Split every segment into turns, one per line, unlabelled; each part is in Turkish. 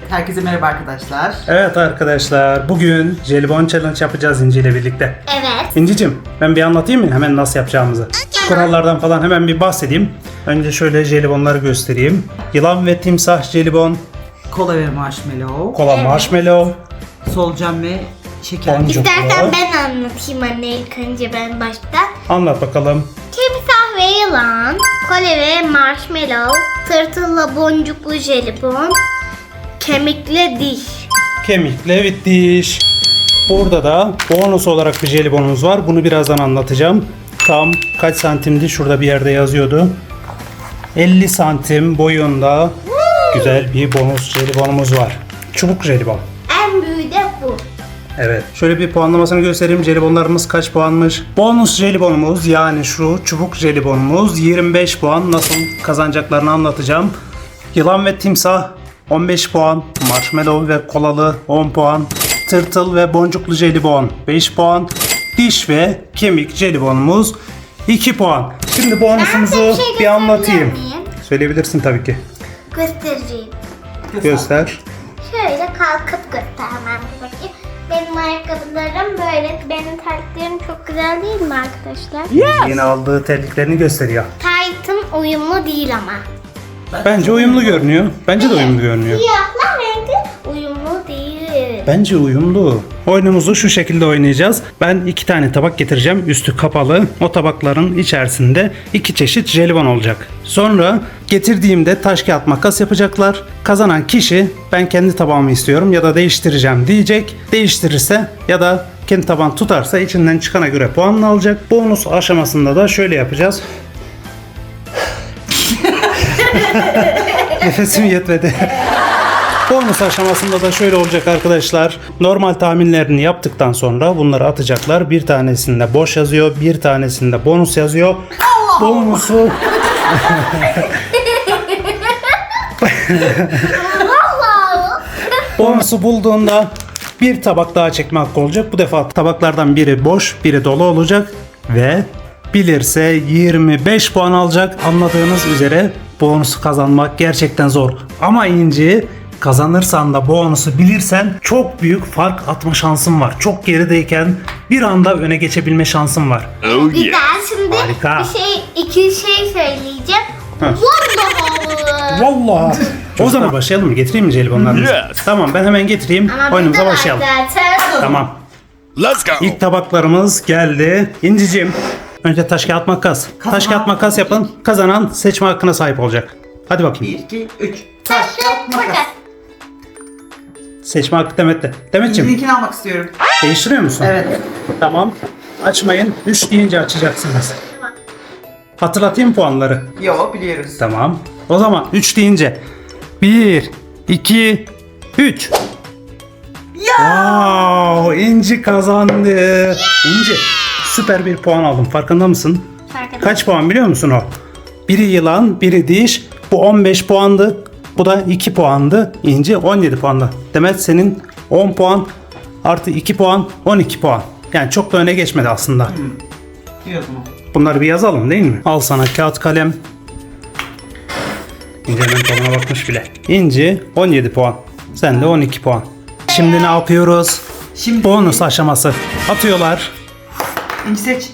herkese merhaba arkadaşlar.
Evet arkadaşlar, bugün jelibon challenge yapacağız İnci ile birlikte.
Evet.
İnci'cim, ben bir anlatayım mı hemen nasıl yapacağımızı? Kurallardan falan hemen bir bahsedeyim. Önce şöyle jelibonları göstereyim. Yılan ve timsah jelibon,
Kola ve marshmallow,
kola marshmallow,
solucan ve şeker.
Boncuk.
İstersen ben anlatayım anne ilk önce ben başta.
Anlat bakalım.
Timsah ve yılan, kole ve marshmallow, tırtılla boncuklu jelibon, kemikli diş.
Kemikle ve diş. Burada da bonus olarak bir jelibonumuz var. Bunu birazdan anlatacağım. Tam kaç santimdi? Şurada bir yerde yazıyordu. 50 santim boyunda güzel bir bonus jelibonumuz var. Çubuk jelibon.
En büyüğü de bu.
Evet. Şöyle bir puanlamasını göstereyim. Jelibonlarımız kaç puanmış? Bonus jelibonumuz, yani şu çubuk jelibonumuz 25 puan. Nasıl kazanacaklarını anlatacağım. Yılan ve timsah 15 puan. Marshmallow ve kolalı 10 puan. Tırtıl ve boncuklu jelibon 5 puan. Diş ve kemik jelibonumuz 2 puan. Şimdi bonusumuzu
Ben de bir şey
bir anlatayım.
gösterebilir miyim?
Söyleyebilirsin tabii ki.
Göstereceğim.
Göster.
Şöyle kalkıp göstermem gerekiyor. Benim ayakkabılarım böyle. Benim terliklerim çok güzel değil mi arkadaşlar?
Yeni aldığı terliklerini gösteriyor.
Taytım uyumlu değil ama.
Bence uyumlu görünüyor. Bence de uyumlu görünüyor.
Siyahla renkli uyumlu değil.
Bence uyumlu. Oyunumuzu şu şekilde oynayacağız. Ben 2 tane tabak getireceğim. Üstü kapalı. O tabakların içerisinde 2 çeşit jelibon olacak. Sonra getirdiğimde taş kağıt makas yapacaklar. Kazanan kişi ben kendi tabağımı istiyorum ya da değiştireceğim diyecek. Değiştirirse ya da kendi tabağını tutarsa içinden çıkana göre puanını alacak. Bonus aşamasında da şöyle yapacağız. Nefesim yetmedi. Bonus aşamasında da şöyle olacak arkadaşlar. Normal tahminlerini yaptıktan sonra bunları atacaklar. Bir tanesinde boş yazıyor, bir tanesinde bonus yazıyor. Bonusu bonusu bulduğunda bir tabak daha çekme hakkı olacak. Bu defa tabaklardan biri boş, biri dolu olacak ve bilirse 25 puan alacak. Anladığınız üzere bonusu kazanmak gerçekten zor. Ama İnci, kazanırsan da bonusu bilirsen çok büyük fark atma şansın var. Çok gerideyken bir anda öne geçebilme şansın var.
Güzel. Şimdi
Harika.
iki şey söyleyeceğim.
Heh.
Vallahi.
Vallahi. O zaman başlayalım mı? Getireyim mi jelibonlarımızı?
Yes.
Tamam, ben hemen getireyim.
Ama
Oyunumuza
burada
başlayalım.
zaten.
Tamam.
Let's go.
İlk tabaklarımız geldi. İnciciğim, önce taş kağıt makas. Taş kağıt makas yapın. Kazanan seçme hakkına sahip olacak. Hadi bakayım.
1, 2, 3. Taş, kağıt, makas.
Seçme hakkı Demet'te. Demet'ciğim,
Linkini almak istiyorum.
değiştiriyor musun?
Evet.
Tamam. Açmayın. 3 deyince açacaksınız. Hatırlatayım puanları.
Yo, biliyoruz.
Tamam. O zaman 3 deyince 1, 2, 3. Wow, İnci kazandı. İnci, süper bir puan aldım. Farkında mısın?
Farkında.
Kaç puan biliyor musun o? Biri yılan, biri diş. Bu 15 puandı. Bu da 2 puandı. İnci 17 puandı. Demet senin 10 puan artı 2 puan 12 puan. Yani çok da öne geçmedi aslında.
Diyordum.
Bunları bir yazalım değil mi? Al sana kağıt kalem. İnci hemen tabuna bakmış bile. İnci 17 puan. Sen de 12 puan. Şimdi ne yapıyoruz?
Şimdi
Bonus aşaması. Atıyorlar.
İnci seç.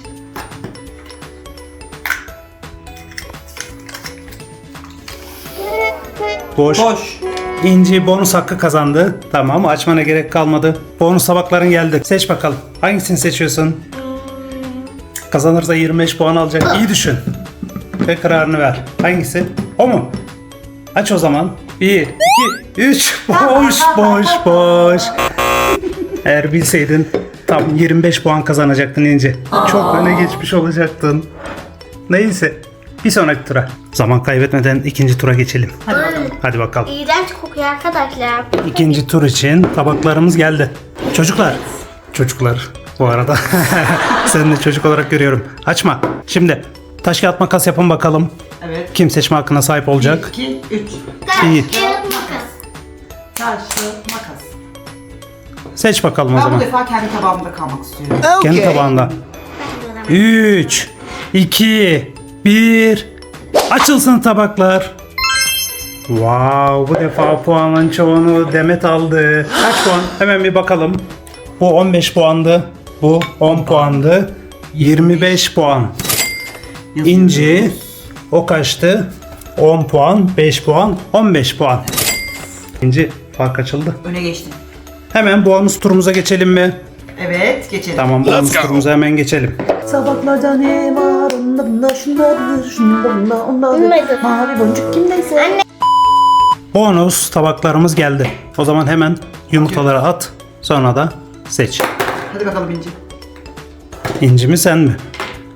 Boş.
Boş.
İnci bonus hakkı kazandı. Tamam, açmana gerek kalmadı. Bonus tabakların geldi. Seç bakalım. Hangisini seçiyorsun? Kazanırsa 25 puan alacak. İyi düşün. Ve kararını ver. Hangisi? O mu? Aç o zaman. 1, 2, 3. Boş, boş, boş. Eğer bilseydin tam 25 puan kazanacaktın İnci. Çok öne geçmiş olacaktın. Neyse. Bir sonraki tura. Zaman kaybetmeden ikinci tura geçelim. Hadi bakalım.
İğrenç kokuyor arkadaşlar.
İkinci tur için tabaklarımız geldi. Çocuklar bu arada. Seni de çocuk olarak görüyorum. Açma. Şimdi taş kağıt makas yapın bakalım.
Evet.
Kim seçme hakkına sahip
1,
olacak?
2, 3.
İyi.
Kağıt makas.
Taş, kağıt, makas.
Seç bakalım o
Ben bu
zaman.
defa kendi tabağımda kalmak istiyorum.
Kendi tabağında.
Ben de
3, 2, 1. Açılsın tabaklar. Wow, bu defa puanın çoğunu Demet aldı. Kaç puan? Hemen bir bakalım. Bu 15 puandı. Bu 10 puandı. 25 puan. İnci o kaçtı? 10 puan, 5 puan, 15 puan. İnci fark açıldı.
Öne geçtim.
Hemen bonus turumuza geçelim mi?
Evet, geçelim.
Tamam, bonus turumuza hemen geçelim.
Sabahlarda ne var? Onda bunda şundadır, şunda bunda ondadır.
Bilmedim.
Mavi boncuk kimdeyse.
Anne.
Bonus tabaklarımız geldi. O zaman hemen yumurtaları at. Sonra da seç.
Hadi bakalım İnci.
İnci mi sen mi?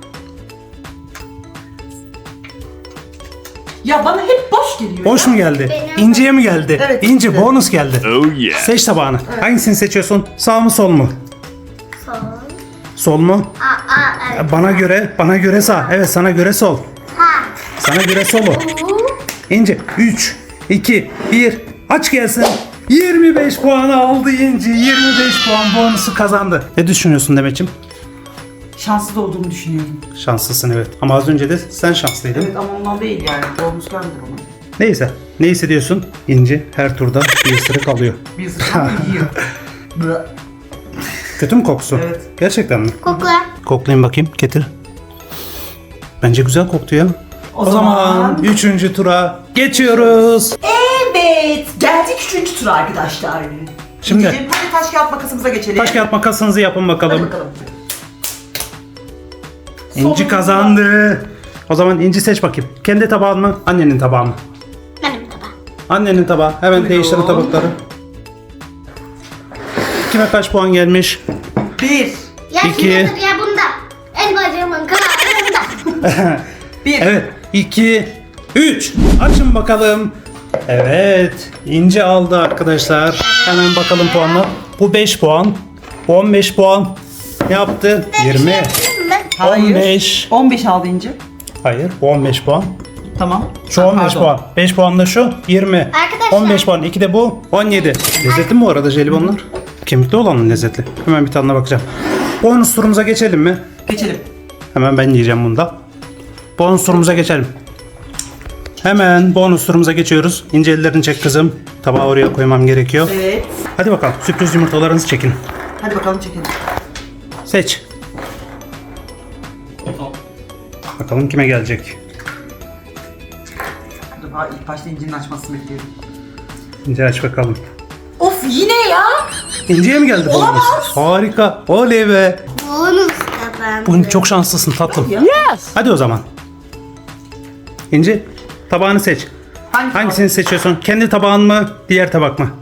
Ya bana hep boş geliyor.
Boş mu geldi?
Benim.
İnci'ye mi geldi?
Evet,
İnci
İnci.
bonus geldi.
Oh yeah.
Seç tabağını. Hangisini seçiyorsun? Sağ mı sol mu?
Sol.
Sol mu?
Evet.
Bana göre sağ. Evet, sana göre sol.
Ha.
Sana göre solu. İnci 3 2 1 aç gelsin. 25 puanı aldı İnci. 25 puan bonusu kazandı. Ne düşünüyorsun Demet'ciğim?
Şanssız olduğumu düşünüyorum.
Şanslısın evet. Ama az önce de sen şanslıydın.
Evet ama ondan değil yani. Bonus gelmedi ona.
Neyse. Ne hissediyorsun? İnci her turda bir ısırık alıyor.
Bir ısırık yiyor. Bıh.
Kötü mü kokusu?
Evet.
Gerçekten mi?
Kokla.
Koklayayım bakayım. Getir. Bence güzel koktu ya. O zaman 3. tura geçiyoruz.
Evet. Geldik 3. tura arkadaşlar.
Şimdi-
İnci'cim, hadi taş kağıt makasımıza geçelim.
Taş kağıt makasınızı yapın
Hadi
bakalım.
bakalım.
İnci
Sonunda.
kazandı. O zaman İnci seç bakayım. Kendi tabağın mı? Annenin tabağı mı?
Benim tabağım.
Annenin tabağı. Hemen
Buyurun.
değiştirin tabakları. Kime kaç puan gelmiş?
1.
Ya
İki.
şundadır ya bunda. El bacağımın kararında.
1.
Evet. 2, 3. Açın bakalım. Evet. İnci aldı arkadaşlar. Hemen bakalım puanla. Bu 5 puan. Bu 15 puan. Ne yaptı? 20.
Hayır.
15.
15 aldı İnci.
Hayır. Bu 15 puan.
Tamam.
Şu 15
Pardon.
puan. 5 puan da şu 20.
Arkadaşlar.
15 puan. 2 de bu 17. Lezzetli mi bu arada jelibonlar? Kemikli olan mı lezzetli? Hemen bir tadına bakacağım. Bonus turumuza geçelim mi?
Geçelim.
Hemen ben yiyeceğim bunu da. Bonus turumuza geçelim. Hemen bonus turumuza geçiyoruz. İnce ellerini çek kızım. Tabağı oraya koymam gerekiyor.
Evet.
Hadi bakalım sürpriz yumurtalarınızı çekin.
Hadi bakalım çekelim.
Seç. Bakalım kime gelecek.
Dur, ilk başta İnci'nin açmasını bekliyorum.
İnce aç bakalım.
Of yine ya.
İnci'ye mi geldi bonus?
Olamaz.
Harika. Oley be.
Bonus kazandı.
Bugün çok şanslısın tatlım.
Ya.
Hadi o zaman. İnci tabağını seç. Hangisini seçiyorsun? Kendi tabağın mı? Diğer tabak mı?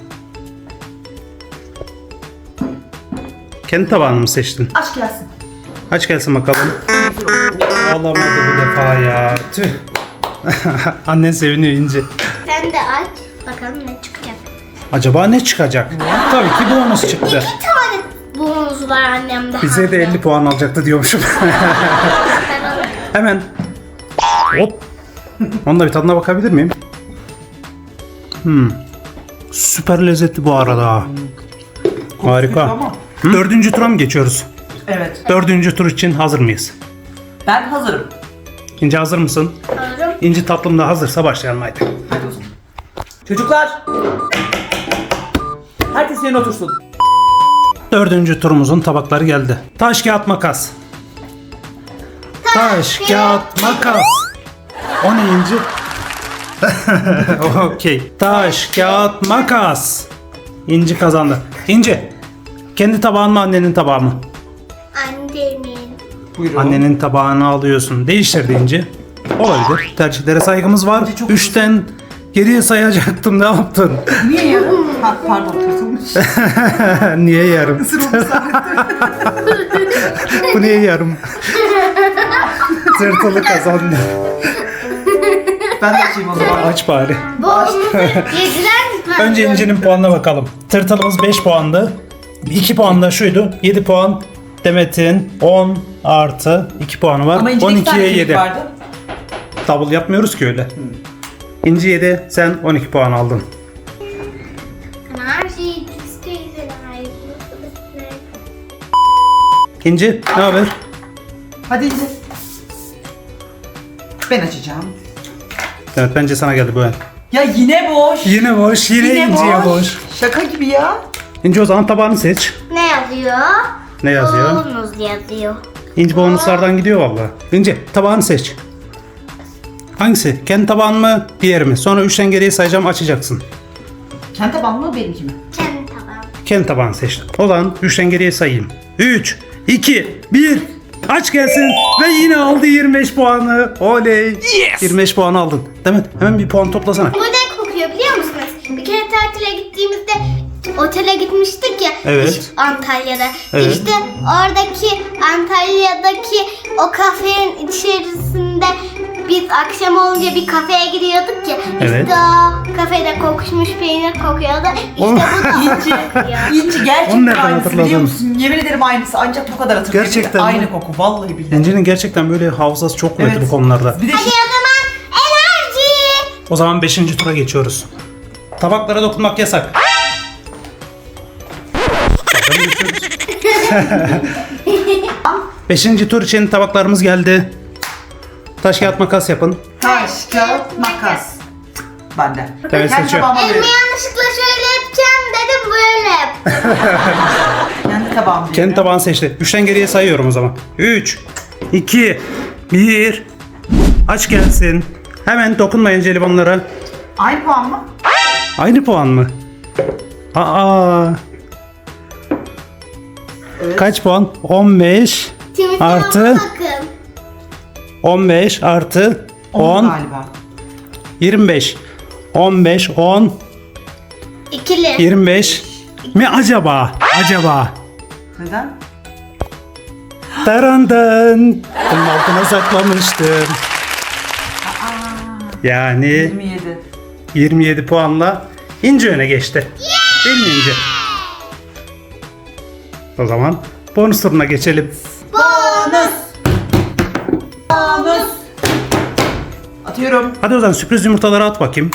Kendi tabağını mı seçtin?
Aç gelsin.
Aç gelsin bakalım. Alamadı bu defa ya. Tüh. Annen seviniyor İnci.
Sen de aç. Bakalım ne çıkacak.
Acaba ne çıkacak? Tabii ki bonus çıktı.
2 tane bonus var annemde.
Bize de 50 puan alacaktı diyormuşum. Hemen. Hop. Onun da bir tadına bakabilir miyim? Süper lezzetli bu arada. Harika.
Ama.
4. tura mı geçiyoruz?
Evet.
4. tur için hazır mıyız?
Ben hazırım.
İnci hazır mısın?
Alırım.
İnci tatlım da hazırsa başlayalım haydi.
Hadi o zaman. Çocuklar. Herkes yerine otursun.
4. turumuzun tabakları geldi. Taş kağıt makas. Taş kağıt makas. O ne İnci? Okey. Taş kağıt makas. İnci kazandı. İnci. Kendi tabağın mı annenin tabağı mı?
Annemin.
Buyurun.
Annenin tabağını alıyorsun. Değiştirdi İnci. Olabilir. Tercihlere saygımız var.
İnci çok
3'ten geriye sayacaktım. Ne yaptın?
Niye yarım? Ha, pardon tırtılmış.
Niye yarım?
Isırılmış zannettim.
Bu niye yarım? Tırtılı kazandı.
Ben de açayım o zaman.
Aç bari.
Bonusu yediler mi?
Önce İnci'nin puanına bakalım. Tırtılımız 5 puandı. 2 puan da şuydu. 7 puan. Demet'in 10 artı 2 puanı var.
Ama İnci'de 2 tane
12'ye
kemik
7.
vardı.
Double yapmıyoruz ki öyle. İnci 7, sen 12 puan aldın.
Her şeyi isteyiz.
İnci ne haber?
Hadi İnci. Ben açacağım.
Evet bence sana geldi bu el.
Ya yine boş.
Yine boş, yine İnci'ye boş.
Şaka gibi ya.
İnci o zaman tabağını seç.
Ne yazıyor?
Ne yazıyor?
Bonus yazıyor.
İnci bonuslardan gidiyor vallahi. İnci tabağını seç. Hangisi? Kendi tabağın mı? Diğeri mi? Sonra 3'ten geriye sayacağım, açacaksın.
Kendi taban mı benimki mi?
Kendi tabağım.
Kendi tabağını seç. O zaman 3'ten geriye sayayım. 3, 2, 1. Aç gelsin ve yine aldı 25 puanı. Oley.
Yes.
25 puan aldın. Demet hemen bir puan toplasana.
Bu ne kokuyor biliyor musunuz? Bir kere tatile gittiğimizde otele gitmiştik ya.
Evet.
Antalya'da.
Evet.
İşte oradaki Antalya'daki o kafenin içerisinde biz akşam olunca bir kafeye gidiyorduk ya.
Evet.
İşte o kafede kokuşmuş peynir kokuyordu. İşte
Oğlum.
bu da kokuyor.
İnci
Onu
gerçekten
nereden
aynısı
hatırladın?
biliyor musun? Yemin ederim aynısı, ancak bu kadar hatırlıyorum.
Gerçekten mi?
Aynı koku vallahi billahi.
İnci'nin gerçekten böyle hafızası çok kuvvetli
Evet.
bu konularda.
Bir de
Hadi o zaman enerji.
O zaman 5. tura geçiyoruz. Tabaklara dokunmak yasak. Bakalım geçiyoruz. 5. tur için tabaklarımız geldi. Taş kağıt makas yapın.
taş, kağıt, makas. Bende.
Evet,
Kendi
seçiyor.
tabağıma
Elimi
veriyorum.
yanlışlıkla şöyle yapacağım dedim böyle yap.
Kendi tabağımı
Kendi
veriyorum.
tabağını seçti. 3'ten geriye sayıyorum o zaman. 3, 2, 1. Aç gelsin. Hemen dokunmayın jelibonlara.
Aynı puan mı?
Aynı puan mı? Aa.
Evet.
Kaç puan? 15
Timothy
artı
bakın.
15 artı 10
galiba.
25. 15 10
İkili.
25 mi acaba? Acaba.
Neden?
Tarandan. Bunun altına saklamıştım. Yani
27.
27 puanla İnci öne geçti. Değil mi İnci? O zaman bonus turuna geçelim.
Bonus. Bonus. Atıyorum.
Hadi o zaman sürpriz yumurtaları at bakayım.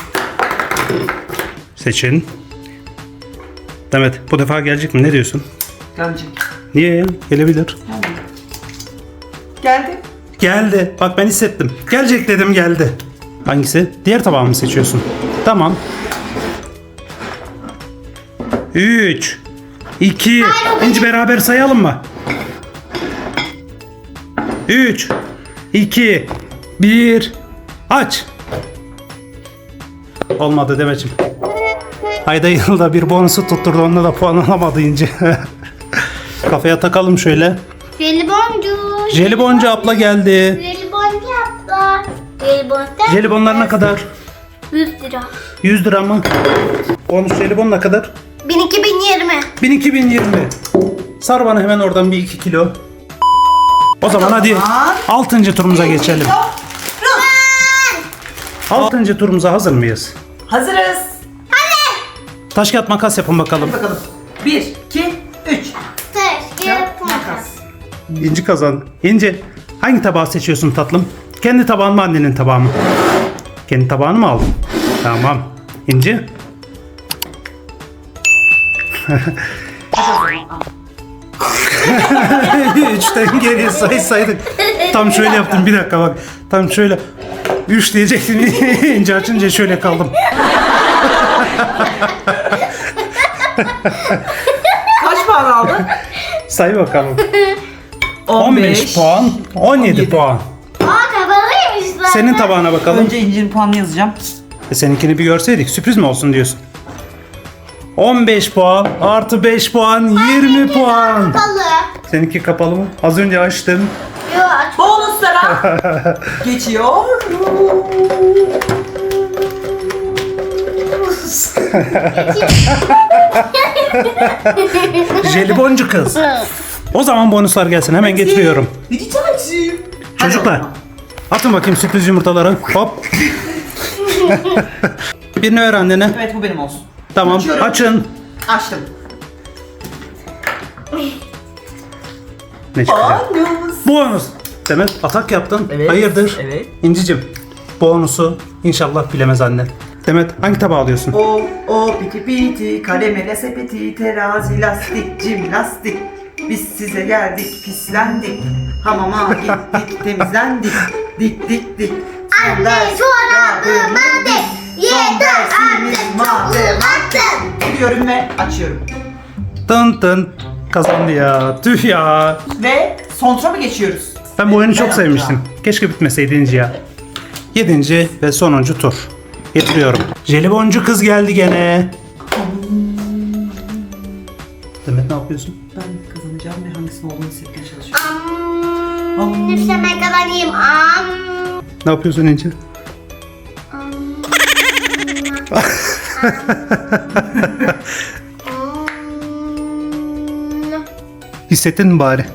Seçin. Demet bu defa gelecek mi? Ne diyorsun?
Gelecek.
Niye ya? Gelebilir.
Geldi.
Geldi. Bak ben hissettim. Gelecek dedim, geldi. Hangisi? Diğer tabağı mı seçiyorsun? Tamam. 3 2 İnci beraber sayalım mı? 3 2 1 Aç. Olmadı Demet'ciğim. Ayda yılda bir bonusu tutturdu. Onunla da puan alamadı İnci. Kafaya takalım şöyle.
Jeliboncu.
Jeliboncu abla geldi.
Jeliboncu abla. Jeliboncu.
Jelibonlar ne kadar?
100 lira.
100 lira mı? Bonus jelibon ne kadar?
2020.
1220. Sar bana hemen oradan bir 2 kilo. O zaman hadi 6. turumuza geçelim. 6. turumuza hazır mıyız?
Hazırız.
Taş kağıt makas yapın bakalım.
Hadi bakalım. 1, 2, 3.
Taş, kağıt, makas.
İnci kazandı. İnci hangi tabağı seçiyorsun tatlım? Kendi tabağın mı, annenin tabağı mı? Kendi tabağını mı aldın? Tamam. İnci? Üçten geriye saydık. Tam şöyle yaptım, bir dakika bak. Tam şöyle 3 diyecektim. İnce açınca şöyle kaldım.
Kaç puan aldın?
Say bakalım. 15 puan, 17 puan.
Aa kapalıymış zaten.
Senin tabağına bakalım.
Önce İnci'nin puanını yazacağım.
Seninkini bir görseydik sürpriz mi olsun diyorsun? 15 puan artı 5 puan 20 puan.
Kapalı.
Seninki kapalı mı? Az önce açtım.
Yo aç.
Bonuslara geçiyor.
Jeliboncu kız. O zaman bonuslar gelsin, hemen getiriyorum.
Rica
Çocuklar atın bakayım sürpriz yumurtaları. Hop. Birini ver annene.
Evet, bu benim olsun.
Tamam,
Açıyorum.
açın.
Açtım.
Ne çıkacak?
Bonus.
Bonus. Demet atak yaptın.
Evet,
Hayırdır?
evet.
İncicim bonusu inşallah bilemez annen. Demet hangi tabağı alıyorsun?
O piti piti kalemele sepeti terazi lastik cimnastik. Biz size geldik pislendik. Hamama gittik temizlendik. Dik dik dik.
Anne çorabıma dik.
Son dersimiz matematik. Diyorum ve açıyorum.
Tın tın. Kazandı ya. Tüh ya.
Ve son tura mı geçiyoruz?
Ben bu oyunu çok
Ben
sevmiştim. Keşke bitmeseydi İnci ya. 7. ve sonuncu tur. Getiriyorum. Jeliboncu kız geldi gene. Demet ne yapıyorsun?
Ben kazanacağım ve hangisinin olduğunu hissetmeye çalışıyorum.
Nefsime kazanayım.
Ne yapıyorsun İnci? Hissettin mi bari?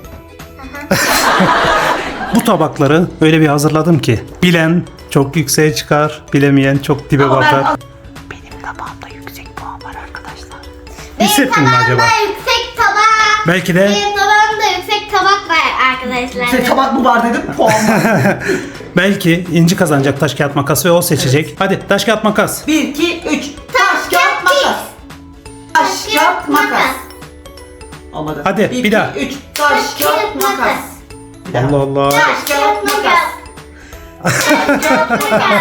Bu tabakları öyle bir hazırladım ki bilen çok yükseğe çıkar, bilemeyen çok dibe
Ama
batar.
benim tabağımda yüksek puan var arkadaşlar.
Hissettin mi acaba?
Tabağımda yüksek tabak.
Belki de
Benim tabağımda yüksek tabak var arkadaşlar.
Size tabak mı var dedim, puan var.
belki İnci kazanacak taş kağıt makas ve o seçecek. Hadi taş kağıt makas.
1, 2, 3. Taş, kağıt, makas. Taş, kağıt, makas. Olmadı.
Hadi, bir daha.
3. Taş, kağıt, makas. Bir daha.
Allah Allah.
Taş, kağıt, makas. Taş, kağıt, makas.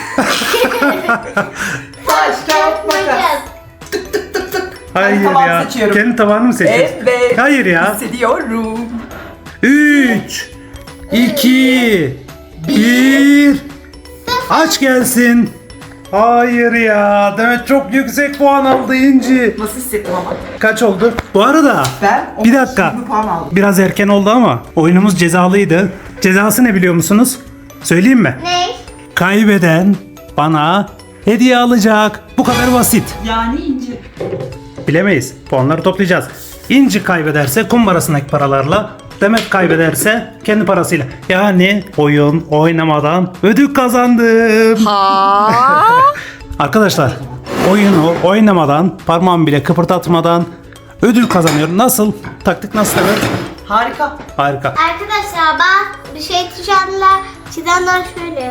Taş, kağıt, makas.
Hayır
tabağımı
ya.
seçiyorum.
Kendi tabağını mı seçiyorsun?
Evet.
Hayır ya.
Hissediyorum.
3 2 1 Aç gelsin. Hayır ya. Demet çok yüksek puan aldı İnci.
Nasıl hissettim ama?
Kaç oldu? Bu arada
Ben
bir dakika.
20 puan aldım.
Biraz erken oldu ama oyunumuz cezalıydı. Cezası ne biliyor musunuz? Söyleyeyim mi?
Ne?
Kaybeden bana hediye alacak. Bu kadar basit.
Yani ince.
Bilemeyiz. Puanları toplayacağız. İnci kaybederse kumbarasındaki paralarla, Demet kaybederse kendi parasıyla. Yani oyun oynamadan ödül kazandım. Arkadaşlar oyunu oynamadan, parmağımı bile kıpırdatmadan ödül kazanıyorum. Nasıl? Taktik nasıl Demet?
Harika.
Harika.
Arkadaşlar bak bir şey çizenler şöyle.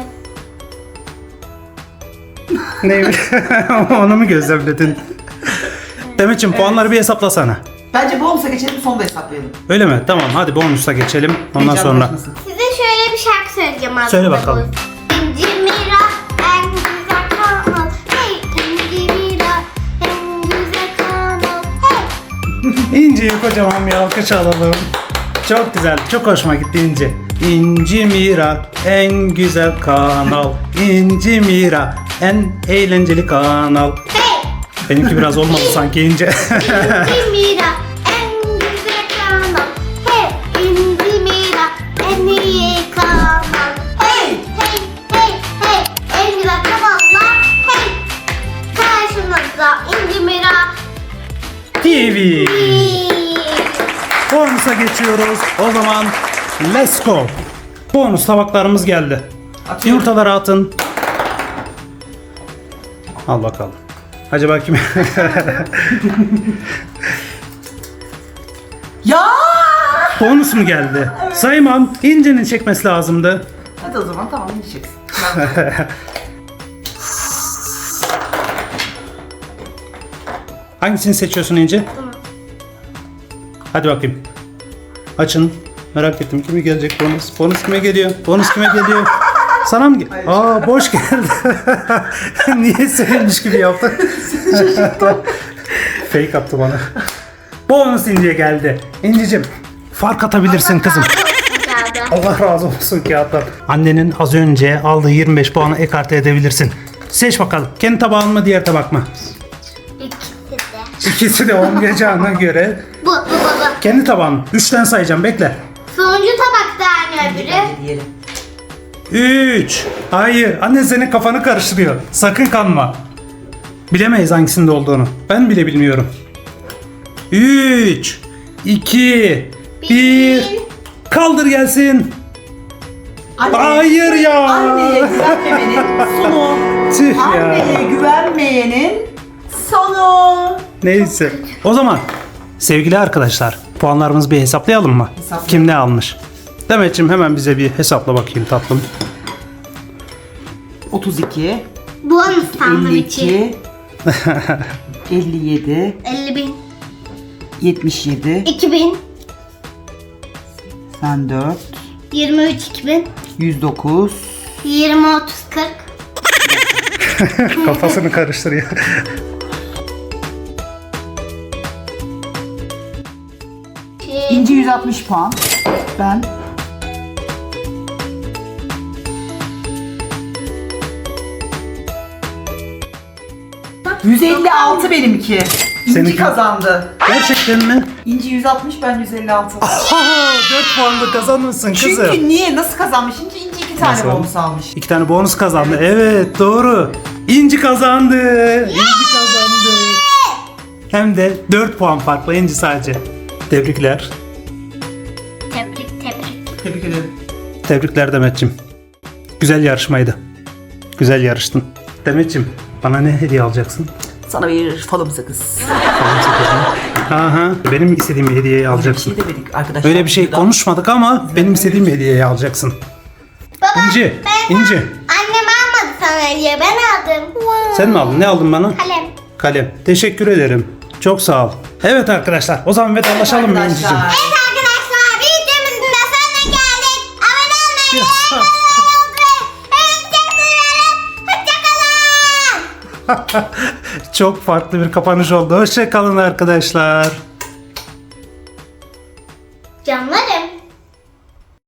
Neymiş? Onu mu gözlemledin? Demetciğim puanları bir hesaplasana.
Bence bonusa geçelim, sonra da hesaplayalım.
Öyle mi? Tamam hadi bonusa geçelim. Ondan sonra.
Heyecanlanmasın.
Size şöyle bir şarkı söyleyeceğim aslında.
Söyle bakalım.
İnci Mira en güzel kanal. Hey İnci Mira en güzel kanal. Hey.
İnci'yi kocaman bir alkış alalım. Çok güzel, çok hoşuma gitti İnci. İnci Mira en güzel kanal. İnci Mira en eğlenceli kanal.
Hey.
Benimki biraz olmadı sanki İnci.
İnci Mira en güzel kanal. Hey İnci Mira en iyi kanal. Hey hey hey hey en güzel kanallar. Hey. Karşınızda İnci Mira.
TV. Bonusa geçiyoruz. O zaman let's go. Bonus tabaklarımız geldi.
Atıyorum.
Yumurtaları atın. Al bakalım. Acaba kim?
Ya!
Bonus mu geldi? Saymam. İnci'nin çekmesi lazımdı.
Hadi o zaman tamam, yiyeceksin.
Hangisini seçiyorsun İnci? Hadi bakayım. Açın. Merak ettim kime gelecek bonus. Bonus kime geliyor? Bonus kime geliyor? Sana mı
Hayır.
Aa boş geldi. Niye sevinmiş gibi yaptın? Fake attı bana. Bonus İnci'ye geldi. İnci'cim fark atabilirsin kızım.
Geldi.
Allah razı olsun kağıtlar. Annenin az önce aldığı 25 puanı ekarte edebilirsin. Seç bakalım. Kendi tabağın mı diğer tabak mı?
İkisi de.
İkisi de olmayacağına göre
Bu.
kendi tabağın. 3'ten sayacağım bekle.
Sonuncu tabakta yani öbürü.
Diyelim.
3. Hayır. Anne senin kafanı karıştırıyor. Sakın kanma. Bilemeyiz hangisinde olduğunu. Ben bile bilmiyorum. 3 2 1 Kaldır gelsin. Hayır ya.
Anneye güvenmemenin sonu.
Tüh ya.
Anneye güvenmeyenin sonu.
Neyse. O zaman sevgili arkadaşlar puanlarımızı bir hesaplayalım mı?
Hesaplayalım.
Kim ne almış? Demetciğim hemen bize bir hesapla bakayım tatlım.
32,
Bonus sandviçi.
52, 57,
50.000.
77,
2.000.
84,
23 2.000.
109,
20 30 40.
Kafasını karıştırıyor.
İnci 160 puan. Ben 156 benimki. İnci
Seninki?
kazandı.
Gerçekten mi?
İnci 160, ben 156.
Oho, 4 puanla kazanmışsın kızım.
Çünkü niye? Nasıl kazanmış? Çünkü İnci 2 tane
Nasıl?
bonus almış.
2 tane bonus kazandı. Evet, doğru. İnci kazandı. İnci kazandı. Hem de 4 puan farklı İnci sadece. Tebrikler.
Tebrik.
Tebrik ederim.
Tebrikler Demetciğim. Güzel yarışmaydı. Güzel yarıştın. Demetciğim, bana ne hediye alacaksın?
Sana bir falım sakız.
Aha, benim istediğim bir hediyeyi
Bir
alacaksın.
şey demedik arkadaşlar.
Öyle bir şey
Buradan-
konuşmadık ama benim istediğim hediyeyi alacaksın. İnci, İnci.
Annem almadı sana hediye, ben aldım.
Sen mi aldın? Ne aldın bana?
Kalem.
Kalem. Teşekkür ederim. Çok sağ ol. Evet arkadaşlar, o zaman vedalaşalım mı İnci'cim?
Arkadaşlar.
Evet arkadaşlar, videomuzun da sonuna geldik. Abone olmayı ve hoşçakalın.
Çok farklı bir kapanış oldu. Hoşça kalın arkadaşlar.